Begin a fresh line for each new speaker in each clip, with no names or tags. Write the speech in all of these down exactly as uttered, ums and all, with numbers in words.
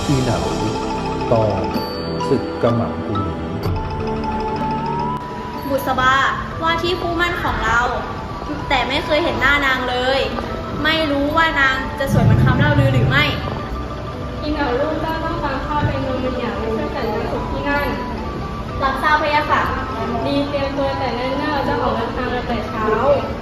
อีเหนาตอนศึกกระหม่อมกุหลี
บุษบาว่าที่คู่มั่นของเราแต่ไม่เคยเห็นหน้านางเลยไม่รู้ว่านางจะสวยเหมือนคำเล่าลือหรือไม่
อีเหนาลูกเจ้าต้องการข้าเป็นนมเป็นอย่างเพื่อแต่งงานศพที่นั่น
รับทราบพะยะค่ะ
ดีเตรียมตัวแต่เนิ่นๆจะออกเดินทางแต่เช้า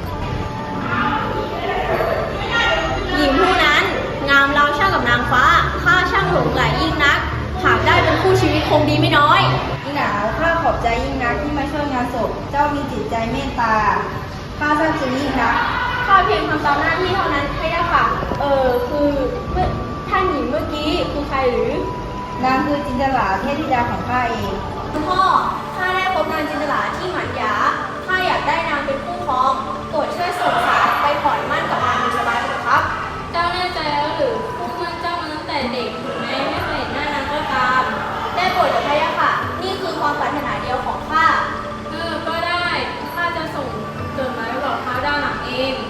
หญิงผู้นั้นงามเราช่างกับนางฟ้าข้าช่างหลงไหลยิ่งนักหากได้เป็นคู่ชีวิตคงดีไม่น้อย
อีหนาวข้าขอบใจยิ่งนักที่มาช่วยงานศพเจ้ามีจิตใจเมตตาข้าซาบซึ้งยิ่งนัก
ข้าเพียงทำตามหน้าที่เท่านั้นพะยะค่ะเออคือเมื่อท่านหญิงเมื่อกี้คือใครหรือน
างคือจินตลาเทพธิดาของข้าเอง
คุณพ่อข้าได้พบนางจินตลาที่หมันยาข้าอยากได้นางเป็นคู่ครองโปรดช่วยส่งสารไปขอนมั่นกับนางบุษบาเถิดครับ
เจ้าแน่ใจแล้วหรือคู่มั่นเจ้ามาตั้งแต่เด็กถึงแม้ไม่เคยเห็นหน้านางก็ตาม
ได้โปรดเถิดพะยะค่ะนี่คือความปรารถนาเดียวของข้า
เออก็ได้ข้าจะส่งจดหมายไปบอกเขาด้านหลังเอง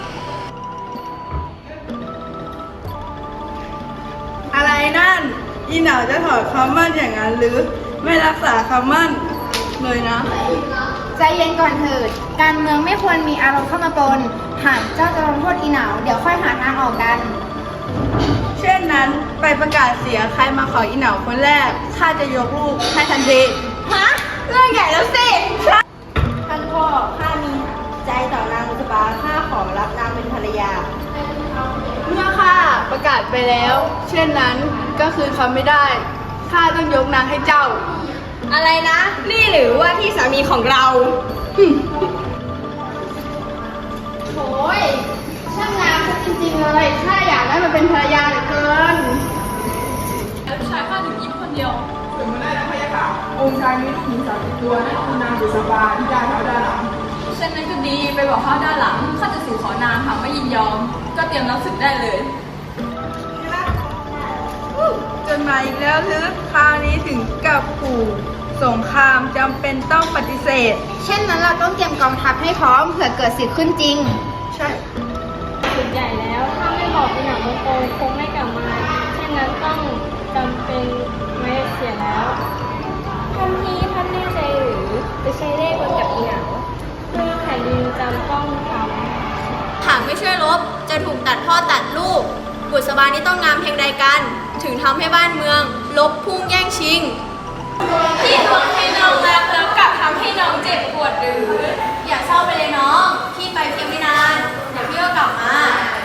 อะไรนั่นอีหนาวจะถอดคำมั่นอย่างนั้นหรือไม่รักษาคำมั่นเลยนะ
ใจเย็นก่อนเถิดการเมืองไม่ควรมีอารมณ์เข้ามาปนหากเจ้าจะลงโทษอีหนาวเดี๋ยวค่อยหาทางออกกัน
เช่นนั้นไปประกาศเสียใครมาขออีหนาวคนแรกข้าจะยกลูกให้ทันที
ฮะเรื่องใหญ่แล้วสิ
ท่านพ่อข้ามีใจต่อนางบุษบาข้าขอรับนางเป็นภรรยาเมื่อข้าประกาศไปแล้ว เช่นนั้นก็คือคำไม่ได้ข้าต้องยกนางให้เจ้า
อะไรนะนี่หรือว่าที่สามีของเรา
โอ้ยช่างงามจริงๆเลยข้าอยากได้มาเป็นภรรยาเหลือเกิน
แล้วชายข้าถึงยิ้มคนเดียว
ถึงมาได้แล้วพะยะค่ะองค์ชายมีลูกหญิงสามสิบตัวนั่นคือนางบุษบาที่ได้เท้าด้านหลัง
เช่นนั้นก็ดีไปบอกข้าด้านหลังข้าจะสู่ขอนางหากไม่ยินยอมก็เตรียมรับศึกได้เลย
จนมาอีกแล้วหรือคราวนี้ถึงกับขู่สงครามจำเป็นต้องปฏิเสธ
เช่นนั้นเราต้องเตรียมกองทัพให้พร้อมเผื่อเกิดศึกขึ้นจริง
ใช่
ศึกใหญ่แล้วถ้าไม่บอกอีหนังโตคงไม่กลับมาเช่นนั้นต้องจำเป็นไม่เสียแล้ว
ท่านพี่ท่านแน่ใจหรือจะใช้เล่ห์บนกับอีหนัง
เพื่อแผ่นดินจำต้องท
ำหากไม่ช่วยลบจะถูกตัดพ่อตัดลูกบุษบานี้ต้องงามเพียงใดกันถึงทำให้บ้านเมืองลบพุ่งแย่งชิงที่ทวงให้น้องรักแล้วกลับทำให้น้องเจ็บปวดหรืออย่าเศร้าไปเลยน้องพี่ไปเพียงไม่นานเดี๋ยวพี่ก็กลับมา